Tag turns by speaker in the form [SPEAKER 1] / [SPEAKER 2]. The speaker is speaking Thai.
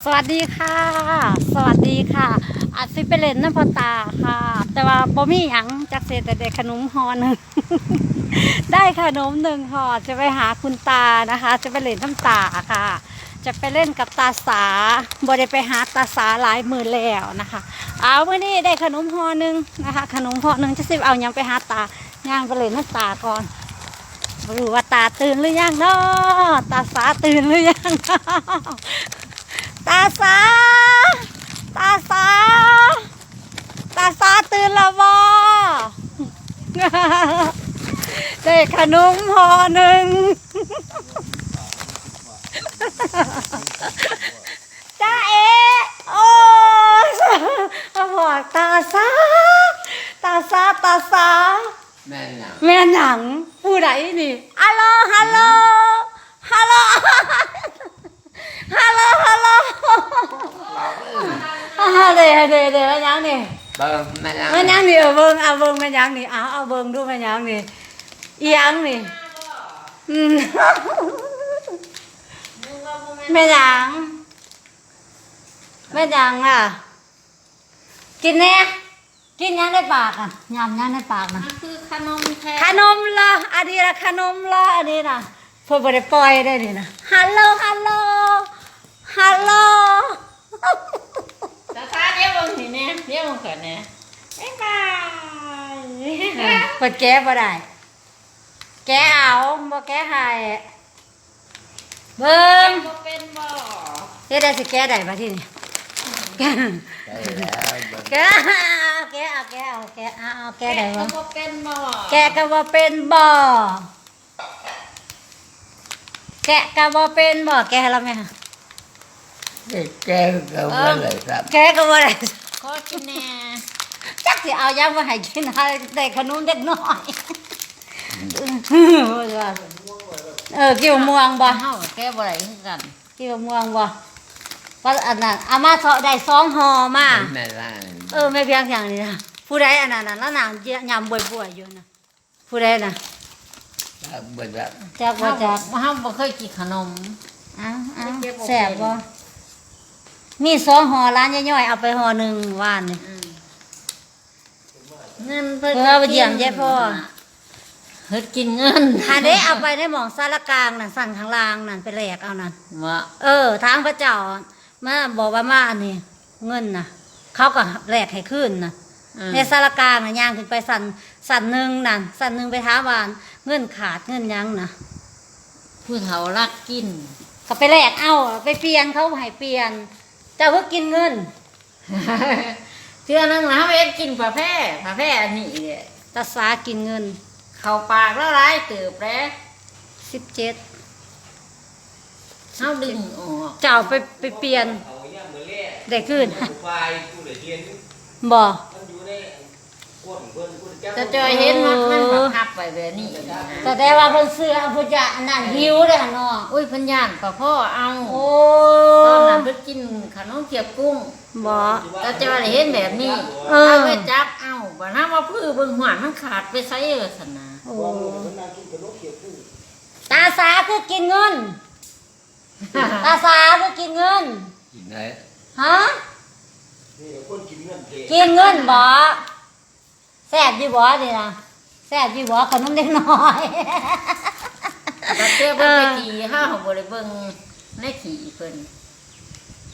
[SPEAKER 1] สวัสดีค่ะ สวัสดีค่ะอาจสิไปเล่นน้ำพอตาค่ะ แต่ว่าบ่มีหยังจักเศษแต่ได้ขนมห่อหนึ่ง ได้ขนมหนึ่งห่อจะไปหาคุณตานะคะ จะไปเล่นน้ำตาค่ะ จะไปเล่นกับตาสาบ่ได้ไปหาตาสาหลายมือแล้วนะคะ เอาเมื่อนี้ได้ขนมห่อหนึ่งนะคะ ขนมห่อหนึ่งจะสิเอายังไปหาตาย่างไปเล่นน้ำตาก่อนไม่รู้ว่าตาตื่นหรือยังเนาะตาสาตื่นหรือยังเนาะ ตาสาตาสาตาสาตื่นแล้วบ่ ได้ขนมห่อหนึ่ง จ้าเอโอ้มาบอกตาสาตาสาตาสาแม่หนังผู้ใดนี่ฮัลโหลฮัลโหลฮัลโหลฮัลโหลฮัลโหลเดี๋ยวยังนี่
[SPEAKER 2] เบิ่งแม่ยัง
[SPEAKER 1] แม่ยังนี่เบิ่งเอาเบิ่งแม่ยังนี่เอาเบิ่งดูแม่ยังนี่อีหยังนี่แม่ยังแม่ยังอ่ะกินแน่กินยังในปากอ่ะยำยังในปากนะ
[SPEAKER 3] คือขนมแท้
[SPEAKER 1] ขนมละอันนี้ละขนมละอันนี้นะเพื่อบ่ได้ปล่อยได้นี่นะฮัลโหลฮัลโหลฮัลโหล
[SPEAKER 3] ตาตาเดี๋ยวมึงสิเนี่ยเดี๋ยวมึงเกิดเนี่ยบ๊ายบาย
[SPEAKER 1] เปิดแก้บ่ได้แก้เอาบ่แก้ให้เบิ่ง
[SPEAKER 3] บ่เป็นบ่
[SPEAKER 1] เฮ็ดได้สิแก้ได้บ่ทีนี้แก้
[SPEAKER 2] ได้แล้วเบิ่ง
[SPEAKER 1] แก้เอาแก้ได้บ่
[SPEAKER 3] บ่เป็นบ่
[SPEAKER 1] แกะก็บ่เป็นบ่แกะก็บ่เป็นบ่แกะให้เราไหมคะ
[SPEAKER 2] แกก็บ่เลยครับ
[SPEAKER 1] แกะก็บ่ได้
[SPEAKER 3] ขอกินแน่
[SPEAKER 1] จักสิเอายังมาให้กินให้ได้ขนมเด็กน้อยกินม่วงบ่
[SPEAKER 3] เฮาแกบ่ได้คือกัน
[SPEAKER 1] กินม่วงบ่ว่าอันนั้นเอามาเถาะได้2ห่อมา
[SPEAKER 2] แม่ล่าง
[SPEAKER 1] ไม่เพียงอย่างนี้นะผู้ใดอันนั้นน่ะแล้วนางยำบ่อยๆอยู่นะผู้ใดน่ะ
[SPEAKER 2] เบิ่งครับ
[SPEAKER 1] จักบ่จัก
[SPEAKER 3] เฮาบ่เคยกินขนม
[SPEAKER 1] อ้าวแซ่บบ่มี2ห่อร้านย่อยๆเอาไปห่อหนึ่งว่านนี่
[SPEAKER 3] เงินเพิ่น
[SPEAKER 1] เอาไปเยี่ยมยายพ่อ
[SPEAKER 3] เฮ็ดกินเงิน
[SPEAKER 1] อันนี้เอาไปในหม่องสารกลางนั่นสั่งข้างล่างนั่นไปแลกเอานั่น
[SPEAKER 3] ว่า
[SPEAKER 1] ทางพระเจ้ามาบอกว่ามาอันนี้เงินน่ะเขาก็แลกให้ขึ้นน่ะในสารกลางน่ะย่างขึ้นไปสั่นหนึ่งนั่นสั่นหนึ่งไปถามว่าเงินขาดเงินหยังน่ะ
[SPEAKER 3] ผู้เฒ่ารักกิน
[SPEAKER 1] ก็ไปแลกเอาไปเปลี่ยนเขาให้เปลี่ยนเจ้าเพิ่งกินเงิน
[SPEAKER 3] เทื่อนึงนะเฮาเฮ็ดกินผ้าแพร่อันนี้เนี่ย
[SPEAKER 1] ตาสากินเงิน
[SPEAKER 3] เข้าปากละลายเติบแล้ว
[SPEAKER 1] 17
[SPEAKER 3] เฮาดึงออก
[SPEAKER 1] เจ้าไปเปลี่ยนได้ขึ้น
[SPEAKER 4] ไฟผู้ใดเรียน
[SPEAKER 1] บ่
[SPEAKER 4] มันอยู่ในก้นเพิ่นผู้จัก
[SPEAKER 3] จะจอยเห็นมันบังคับไปแบบนี้นะ
[SPEAKER 1] แต่ว่าเพิ่นซื้อเอาเพิ่นจะอันนั้นหิวเด้อเนาะ
[SPEAKER 3] อุ้ยเพันย่านก็พ่อเอา
[SPEAKER 1] โอ้
[SPEAKER 3] ตอนนั้นไปกินขนมเกี๊ยวกุ้ง
[SPEAKER 1] บ่
[SPEAKER 3] แต่จะว่าได้เห็นแบบนี้
[SPEAKER 1] เออ
[SPEAKER 3] ถ้าไปจับเอาบ่ถ้าว่าพื้นเบิ่งหวานมันขาดไปไสเออสนะ
[SPEAKER 1] โอ้ตาสาคือกินเงิน ตาสาคือกินเงิน
[SPEAKER 2] กินได้
[SPEAKER 1] ฮะ
[SPEAKER 4] นี่คนกินเงินเท
[SPEAKER 1] กินเงินบ่แซ่บอยู่บ่นี่นะแซ่บอยู่บ่ขนมเด็กน้อย
[SPEAKER 3] แต่เจ้าเพิ่นไปขี่ห้าบ่ได้เบิ่งในขี่เพิ่น